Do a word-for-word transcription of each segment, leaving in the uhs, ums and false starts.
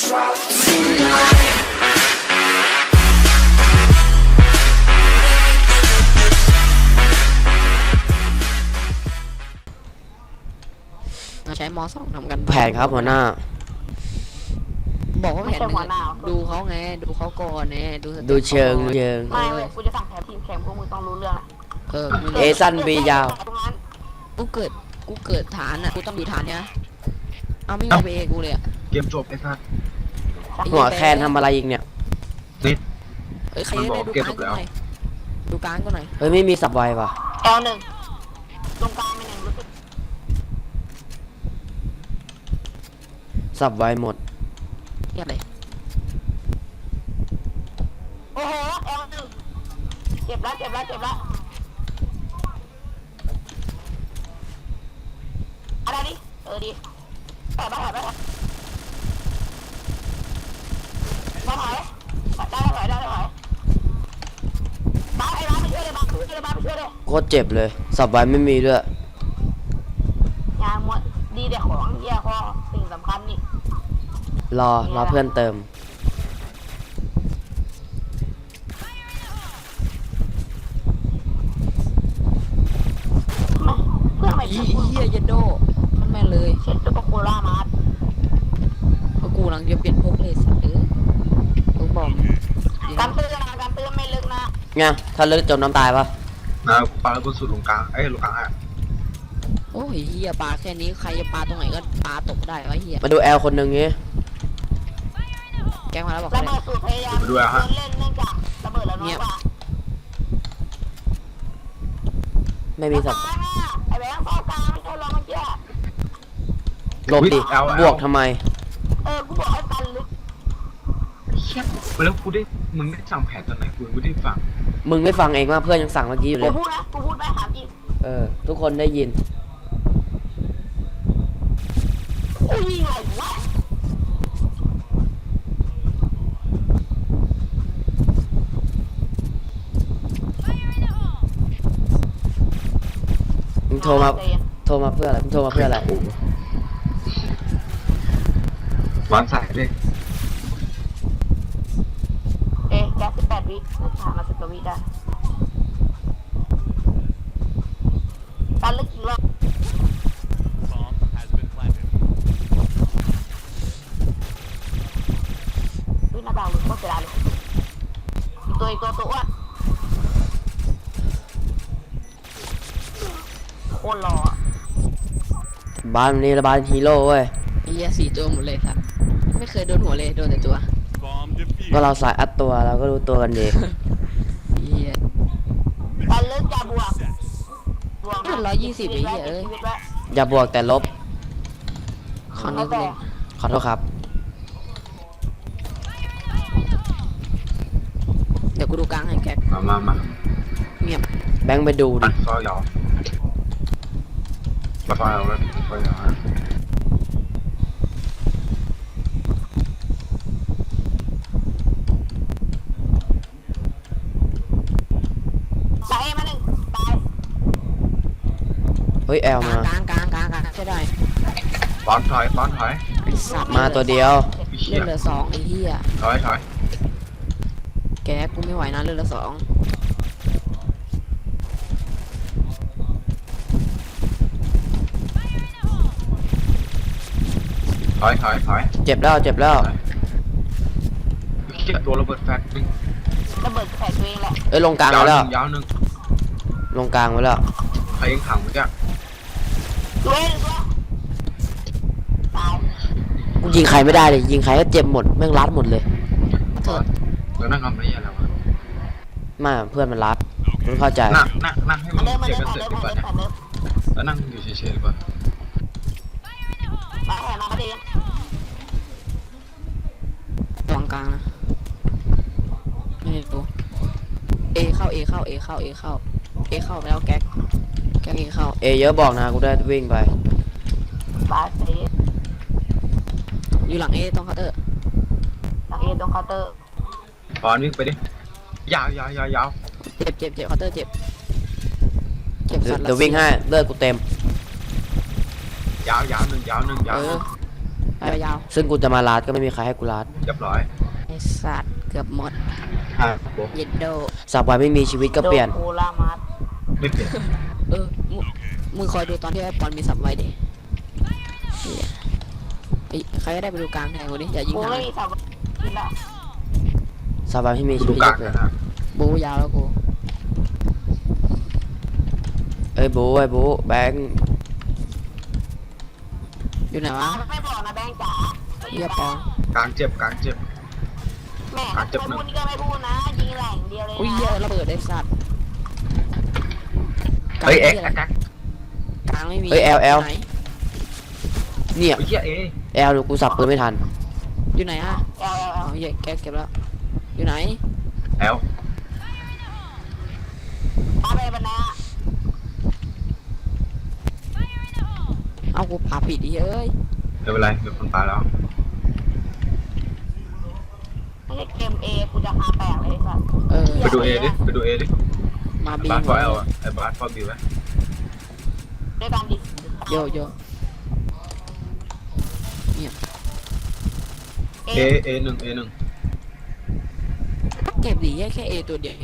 ใช้มอสองทำกันแผนครับหัวหน้าบอกว่าแผนดูเขาไงดูเขาก่อนไงดูดูเชิงเชิงไม่เว้ยกูจะสั่งแผนทีมแข่งพวกมึงต้องรู้เรื่องเออเอซันบียาวกูเกิดกูเกิดฐานอ่ะกูต้องดูฐานเนี่ยเอาไม่มีไปเอกูเลยอ่ะเกมจบไอ้สัสหัวแคนทำอะไรอีกเนี่ยนิดเอ้ยใครได้ดูกลางก็หน่อยดูกลางก็หน่อยเฮ้ยไม่มีสับไวป่ะแอลหนึ่งตรงกลางเป็นหนึ่งรู้สึกสับไวหมดเงียบเลยโอ้โหแอลหนึ่งเจ็บแล้วเจ็บแล้วเจ็บแล้วอะไรดิเออดิแอบไปแอบไปแอบมาถอยได้ถอยได้ถอยบ้าไอ้บ้าไปช่วยเลยบ้าไปช่วยเลยบ้าไปช่วยเลยโคตรเจ็บเลยสับไวไม่มีด้วยยาหมดดีแต่ของเยี่ยข้อสิ่งสำคัญนี่รอรอเพื่อนเติมเพื่อไม่เฮียเยนโดมันแม่เลยเช็ดตัวโคล่ามาร์เพราะกูหลังจะเปลี่ยนพวกเลยสัตว์เออกูบอกการเตือนนะการเตือนไม่ลึกนะไงถ้าลึกจมน้ำตายปะนะปลาบนสุดลงกลางไอ้ลงกลางอ่ะโอ้ยเฮียปลาแค่นี้ใครจะปลาตรงไหนก็ปลาตกได้วะเฮียมาดูแอลคนหนึ่งงี้แกงมาแล้วบอกระเบิดสูตรพยายามเล่นเนื่องจากระเบิดแล้วน้อยกว่าไม่มีสับไอ้แบงค์เข้ากลางไม่ใช่หรอเมื่อกี้หลบดิบวกทำไมเออกูบอกให้ตันลึกเชี่ยแล้วกูได้มึงได้สั่งแผนตอนไหนกูไม่ได้ฟังมึงไม่ฟังเองว่าเพื่อนยังสั่งเมื่อกี้อยู่เลยกูพูดนะกูพูดไปถามจริงเออทุกคนได้ยินโอ้ยยิงอะไรวะมึงโทรมาโทรมาเพื่ออะไรมึงโทรมาเพื่ออะไรวางสายเลยเอ๊ะแกสิบแปดวิถามมาสิบกว่าวิได้ตันลึกกี่รอบวินาดาวหลุดก็เสียดายเลยตัวอีกตัวตัวอ้วนโคตรหล่อบ้านนี้ละบ้านฮีโร่เว้ยเฮียสี่ตัวหมดเลยครับไม่เคยโดนหัวเลยโดนแต่ตัวก็เราสายอัดตัวเราก็รู้ตัวกันดีเฮียการเลิกจะบวกบวกร้อยยี่สิบไอ้เหี้ยเอ้ยอย่าบวกแต่ลบขอนิดนึงขอโทษครับเดี๋ยวกูดูกลางให้แกมามามาเงียบแบงค์ไปดูดิซอยยาวมาซอยเอาเลยซอยยาวตายมาหนึ่งตายเฮ้ยแอลมากลางกลางกลางกลางใช่ได้ป้อนถอยป้อนถอยมาตัวเดียวเลือดเหลือสองไอ้เหี้ยถอยถอยแกกูไม่ไหวนะเลือดเหลือสองถอยถอยถอยเจ็บแล้วเจ็บแล้วเชี่ยตัวระเบิดแฟลชนึงระเบิดใส่ตัวเองแหละเอ้ยลงกลางไว้แล้วยาวหนึ่งลงกลางไว้แล้วใครยังขังมึงจ้ะตัวเองตัวตายกูยิงใครไม่ได้เลยยิงใครก็เจ็บหมดแม่งรัดหมดเลยเถิดแล้วนั่งทำอะไรอะไรวะไม่เพื่อนมันรัดมึงเข้าใจนั่งนั่งนั่งให้มันเจ็บกันเสร็จดีกว่าแล้วนั่งอยู่เฉยๆดีกว่ามาแห่มาพอดีวางกลางนะไม่รู้เอเข้าเอเข้าเอเข้าเอเข้าเอเข้าไปแล้วแก๊กแก๊กเอเข้าเอเยอะบอกนะกูได้วิ่งไปบาสเออยู่หลังเอตรงเคาน์เตอร์หลังเอตรงเคาน์เตอร์ปอนวิ่งไปดิยาวยาวยาวยาวเจ็บเจ็บเจ็บเคาน์เตอร์เจ็บเจ็บสัตว์เดี๋ยววิ่งให้เลือดกูเต็มยาวยาวหนึ่งยาวหนึ่งยาวไปไปยาวซึ่งกูจะมาลาดก็ไม่มีใครให้กูลาดเรียบร้อยไอสัตว์เกือบหมดห้าโบเย็ดโดสับไว้ไม่มีชีวิตก็เปลี่ยนโดคูรามัสไม่เปลี่ยนเออมึงมึงคอยดูตอนที่ไอ้ปอนมีสับไว้ดิเหี้ยไอ้ใครก็ได้ไปดูกลางแทนกูดิอย่ายิงกูทางไม่มีสับกินละสับไว้ไม่มีกูชีดูวิตกลางก็เปลี่ยนะนฮะบูยาวแล้วกูเอ้ยบูไอ้บูแบงค์อยู่ไหนวะไม่บอกนะแบงค์จ๋าเฮียปอนกลางเจ็บกลางเจ็บแม่ไม่พูดนี่ก็ไม่พูดนะยิงแหล่งเดียวเลยอุ้ยเฮียนะระเบิดไอ้สัตว์กลางเฮ้ยเอ็กหี้ซ์แอคกลางไม่มีเฮ้ยแอลแอลไหนเนี่ยเฮ้ยเหี้ยเอแอลกูสับปืนไม่ทันอยู่ไหนฮะเอลเอลเออ๋อลเฮียแกเก็บแล้วอยู่ไหนแอลมาไปบรรณาเอากูพาผิดดิเอ้ยไม่เป็นไรมีคนตายแล้วไม่ใช่เกมเอกูจะหาแปลกเลยสัสเออไปดูเอดิไปดูเอดิมาบีบาสหฟมอดเอลอะไอ้บาสฟอบีไว้ด้วยกันดิโยโยเอเอเอหนึ่งเอหนึ่งเก็บดีแค่แค่เอตัวเดียวเอง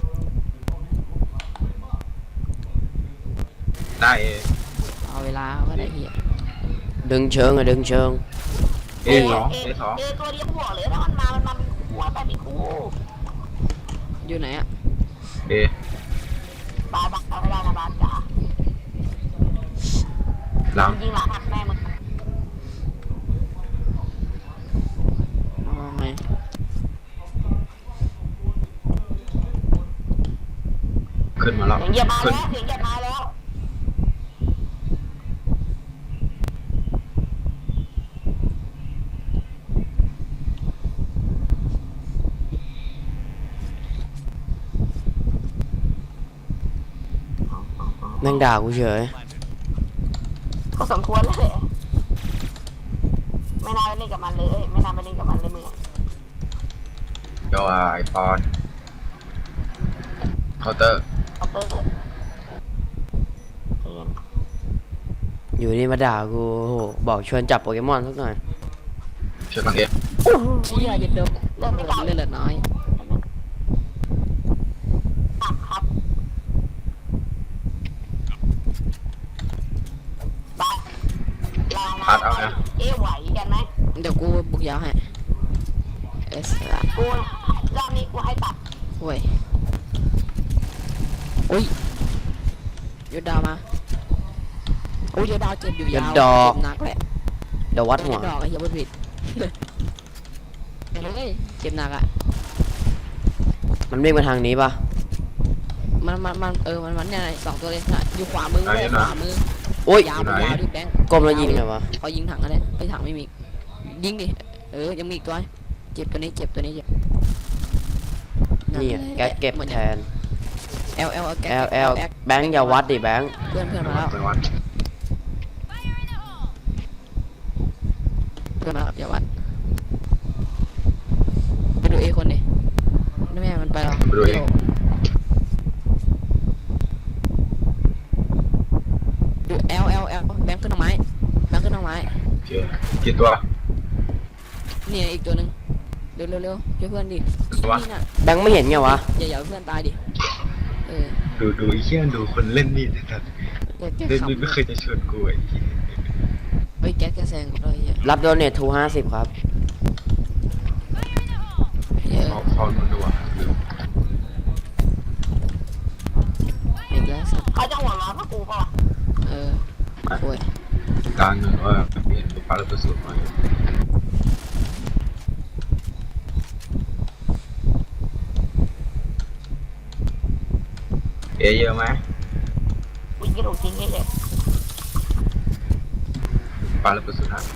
ได้เอเอาเวลาก็ได้เฮียดึงเชิงอะดึงเชิงเอสองเอสองเอตัวเดียวหัวเลยถ้ามันมามันมาเป็นคู่ไปเป็นคู่อยู่ไหนอะเอบาสบักเอาไม่ได้นะบาสจ๋าหลังยิงหลังหักแม่มึงเอาไงขึ้นมาแล้วเสียงเหยียบมาขึ้นแล้วเสียงเหยียบมาแล้วแม่งด่ากูเฉยก็สมควรเลยไม่น่าไปเล่นกับมันเลย ไม่น่าไปเล่นกับมันเลยมึงเดี๋ยวไอปอนเคาน์เตอร์เอาเตอร์เองอยู่นี่มาด่ากูโอ้โหบอกชวนจับโปเกมอนสักหน่อยเชิญทางเอเชี่ยเย็นเดิมเลือดเลือดเหลือน้อยตับครับบาสลาพัดเอานะเอ๊ะไหวกันไหมเดี๋ยวกูบุกยาวให้เอสละกูรอบนี้กูให้ตัดโว้ยอุ้ยยดดาวมาโอ้ยยดดาวเจ็บอยู่ยาวเจ็บหนักแหละเดี๋ยววัดหัวดอกไอ้เหี้ยบนผิดเฮ้ยเจ็บหนักอ่ะมันวิ่งมาทางนี้ปะมันมันมันเออมันมันเนี่ยสองตัวเลยนะอยู่ขวามือเว้ยขวามือโอ้ยยาวมันยาวดิแบงค์ก้มแล้วยิงไงวะเขายิงถังกันเลยไปถังไม่มียิงดิเออยังมีอีกตัวเจ็บตัวนี้เจ็บตัวนี้เจ็บนี่อะแกเก็บแทนเอลเอลแอลแอลแบงค์อย่าวัดดิแบงค์เพื่อนเพื่อนมาแล้วไปวันเพื่อนมาแล้วอย่าวัดไปดูเอคนดินี่แม่มันไปแล้วดูเอลเอลเอลแบงค์ขึ้นทางไม้แบงค์ขึ้นทางไม้โอเคกี่ตัวนี่อีกตัวหนึ่งเร็วเร็วเร็วช่วยเพื่อนดินี่น่ะแบงค์ไม่เห็นไงวะอย่าอย่าเพื่อนตายดิเออดูดูไอ้เหี้ยดูคนเล่นมีดนะครับแกแกเล่นขำมีดไม่เคยจะชวนกูไอ้เหี้ยเฮ้ยแกแกแซงกูเลยเฮียรับโดเนททูห้าสิบครับเฮียพอพอมันดูอ่ะดูอีกแล้วสัตว์เขาจะหัวร้อนพวกกูป่ะวะเออโอ้ยกลางหนึ่งว่าเปลี่ยนปลาระเบิดสูตรมาเอเยอะไหมวิ่งกระโดดทิ้งเฉยปลาระเบิดสูตรฮะ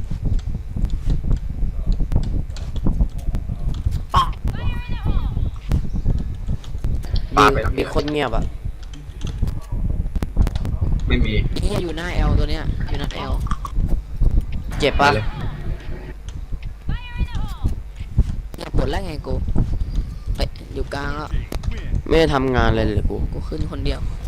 ๆป่ะปลาบีไปทางบีนี้โคตรเงียบอะไม่มีเฮียอยู่หน้าเอลตัวเนี้ยอยู่หน้าเอลเจ็บไปปะเลยอยากปวดแล้วไงกูเฮ้ยอยู่กลางแล้วไม่ได้ทำงานเลยเลยกูกูขึ้นคนเดียว